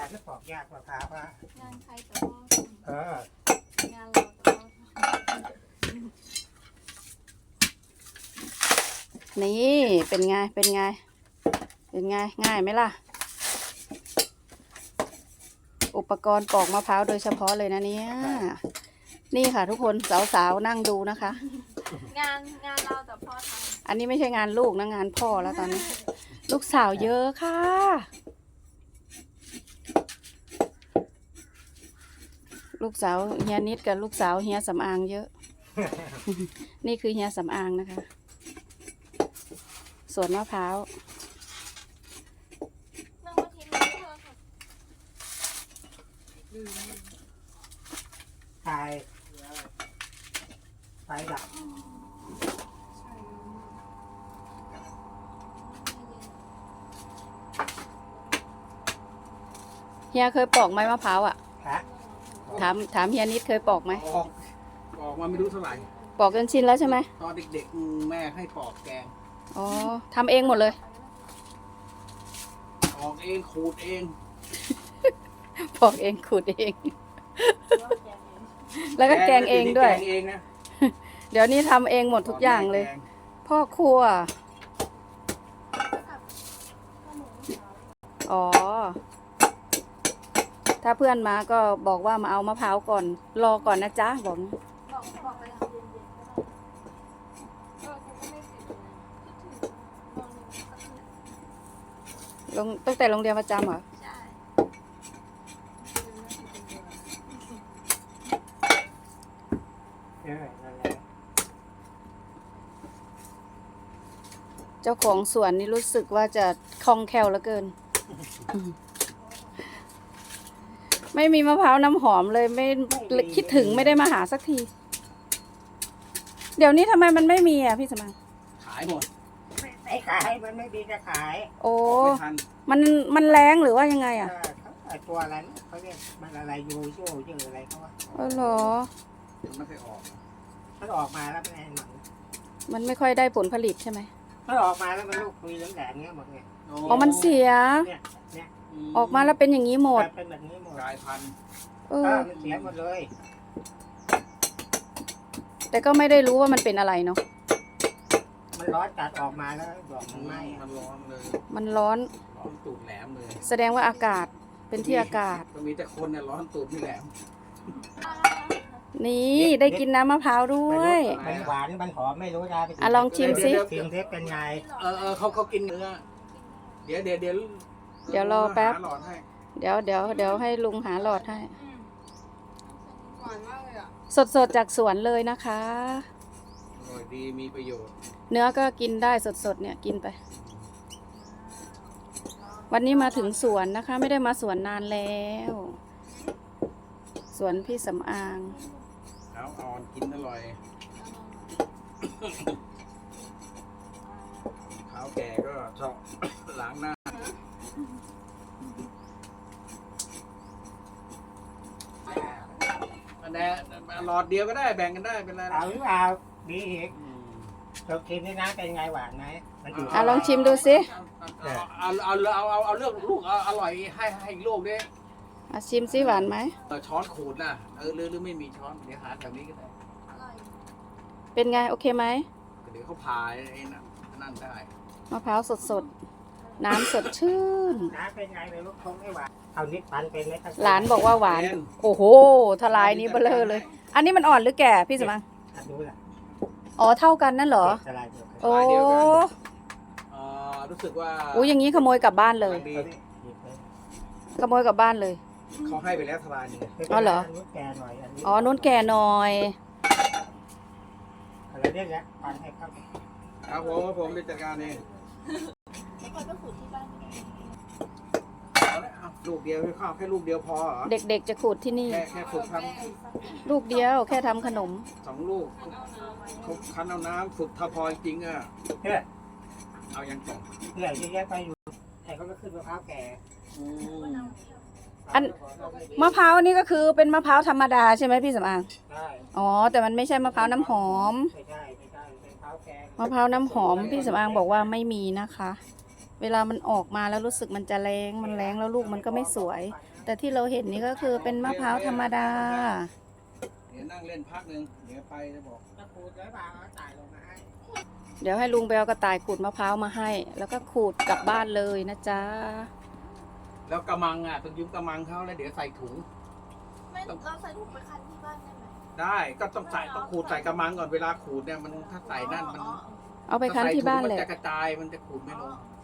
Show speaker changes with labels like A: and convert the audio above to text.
A: านจะปอกยากกว่าพร้าวว่าง
B: านใครแต่พ่องานเราแต่พ่อ
C: นี่เป็นไงง่ายไหมล่ะอุปกรณ์ปอกมะพร้าวโดยเฉพาะเลยนะเนี่ยนี่ค่ะทุกคนสาวๆนั่งดูนะคะ
B: งานเราแต่พ่อทำ
C: อันนี้ไม่ใช่งานลูกนะงานพ่อแล้วตอนนี้ ลูกสาวเยอะค่ะลูกสาวเฮียนิดกับลูกสาวเฮียสำอางเยอะ นี่คือเฮียสำอางนะคะสวนมะพร้าว
B: นั่งมาทีนี้เธอค่ะ
A: ไฟดับ
C: เฮียเคยปอกไหมมะพร้าวอ่ะ
A: ฮะ
C: ถามเฮียนิดเคยปอกไหม
D: ปอกมาไม่รู้เท่าไหร่
C: ปอกจนชินแล้วใช่ไหม
D: ตอนเด็กๆแม่ให้ปอกแกง
C: อ๋อทำเองหมดเลย
D: ปอกเองขูดเอง
C: ปอกเองขูดเอง แล้วก็แกงเองด้วย
D: แกงเองนะ
C: เดี๋ยวนี้ทำเองหมดทุกอย่างเลย พ่อครัวอ๋อถ้าเพื่อนมาก็บอกว่ามาเอามะพร้าวก่อนรอก่อนนะจ๊ะบอก
B: บอกไปทำเย็นๆก็ได้กูก็ไม่ติดเลยคิดถึง
C: ตั้งแต่โรงเรียนประจำเหรอ
B: ใช่
A: นั่นแหละ
C: เจ้าของสวนนี่รู้สึกว่าจะคล่องแคล่วเหลือเกิน ไม่มีมะพร้าวน้ำหอมเลยไม่คิดถึงไม่ได้มาหาสักที เดี๋ยวนี้ทำไมมันไม่มีอ่ะพี่สมัง
D: ขายหมด
A: ไม่ขายมันไม่ดีจะขาย
C: โอ้
D: ไม่ทัน
C: มันแรงหรือว่ายังไงอ่ะ
A: ไอตัวอะไรนะเขาเรียกมันอะไรยูโชชื่ออะไรเขาว่า
C: เออเหรอ
D: มันไม่เคยออก
A: มันออกมาแล้วมันไอ้หนัง
C: มันไม่ค่อยได้ผลผลิตใช่ไหม
A: มันออกมาแล้วมันลูกคุยแหลมๆเงี้ยหมดไง
C: อ๋อมันเสีย
A: เนี่ยเนี่ย
C: ออกมาแล้วเป็นอย่างนี้หมด
A: เป็นแบบนี้หมด
D: กลายพันธุ์
C: เออ
A: มันเสียหมดเลย
C: แต่ก็ไม่ได้รู้ว่ามันเป็นอะไรเนาะ
A: มันร้อนจัดออกมาแล้วบอกมันไหม้
D: มันร้อนเลย
C: มันร้อน
D: ร้อนตูดแหลมเลย
C: แสดงว่าอากาศเป็นที่อากาศ
D: ก็มีแต่คนเนี่ยร้อนตูดไม่แหลม
C: นี่ได้กินน้ำมะพร้าวด้วย
A: มันหวานมันหอมไม่รู้นะ
C: อ่ะลองชิมสิ
A: ชิมเทปเป็นไง
D: เขากินเนื้อเดี๋ยว
C: รอแป๊บ
D: หาหลอดให้
C: เดี๋ยวให้ลุงหาหลอดให้
B: หวานมากเลยอ่ะ
C: สดจากสวนเลยนะคะ
D: อร่อยดีมีประโยชน์
C: เนื้อก็กินได้สดเนี่ยกินไป วันนี้มาถึงสวนนะคะ ไม่ได้มาสวนนานแล้ว สวนพี่สำอาง
D: ขาวอ่อนกินอร่อยขาวแก่ก็ชอบ ล้างหน้าอันนี้หลอดเดียวก็ได้แบ่งกันได้เป็นไร
A: เอาหรือเปล่าดีอีกเราชิมนี่นะเป็นไงหวานไหมมันอยู่
C: อ่ะลองชิมดูสิ
D: เอาเลือกลูกอร่อยให้ลูกดิ
C: อ่ะชิมสิหวานไหม
D: ช้อนขูดนะหรือไม่มีช้อนเดี๋ยวหาแถวนี้ก็ได้
B: อร่อย
C: เป็นไงโอเคไหม
D: เดี๋ยวเขาพายไอ้นั่นได้
C: มะพร้าวสดน้ำสดชื่น
A: น้ำเป็นไงเลยลูกคงไม่หวานเอานิดปันเป็นไหมครับ
C: หลานบอกว่าหวาน โอ้โหทลายนี้เบลอเลย อันนี้มันอ่อนหรือแก่พี่สมัง
A: ดูล่ะ
C: อ๋อเท่ากันนั่นเหรอ
A: สลายเดียวกัน
C: โอ้
D: รู้สึกว่า
C: โอ้อย่างนี้ขโมยกลับบ้านเลย
D: ดี
C: ขโมยกลับบ้านเลย
D: เขาให้ไปแล้วทลายนึง
C: อ๋อเหรอ
A: นนู้นแกหน่อยอันนี้
C: อ๋อนุ่นแก่หน่อย
A: อะไรเรียกแล้วปันให้ครับ
D: ครับผมไปจัดการเอง
B: ไม่ค่อยไปขูดที่บ้านไม่ได้
D: ลูกเดียวข้าวแค่ลูกเดียวพอเหรอ
C: เด็กๆจะขูดที่นี่
D: แค่ฝึกท
C: ลูกเดียวแค่ทำขนม
D: ำ2 ลูกเขาคั้นเอาน้ำฝึกถ้าพอจริงอ่ะ
A: เพื่อ
D: เอายังต่อ
A: เพื่อที่จะไปอยู่แต่เขาก็ขึ้นมะพร้าวแก่
C: อัน มะพร้าวนี่ก็คือเป็นมะพร้าวธรรมดาใช่ไหมพี่สำอาง
A: ได้
C: อ๋อแต่มันไม่ใช่มะพร้าวน้ำหอม
A: ไม่ใช่เป็นมะพร้าวแก่
C: มะพร้าวน้ำหอมพี่สำอางบอกว่าไม่มีนะคะเวลามันออกมาแล้วรู้สึกมันจะแรงมันแรงแล้วลูกมันก็ไม่สวย แต่ที่เราเห็นนี่ก็คือเป็นมะพร้าวธรรมดา
D: เดี๋ยวนั่งเล่นพักหนึ่งเดี๋ยวไปจะบอก
A: ถ้าขูดแล้วเปล่าเอาตายลงมาให้
C: เดี๋ยวให้ลุงไปเอากระต่ายขูดมะพร้าวมาให้ แล้วก็ขูดกลับบ้านเลยนะจ๊ะ
D: แล้วกระมังอ่ะต้องยืมกระมังเขาแล้วเดี๋ยวใส่ถุง
B: ไม่เราใส่ถุงไปคันที่บ้านได้ไหม
D: ได้ก็ต้องใส่ต้องขูดใส่กระมังก่อนเวลาขูดเนี่ยมันถ้าใส่นั่นมัน
C: เอาไปคั้นที่บ้าน
D: ถ้
C: แห
D: ใส่ถุง
C: ละ
D: มันจะกระจายมันจะขูดไม่ลง
B: อ๋อ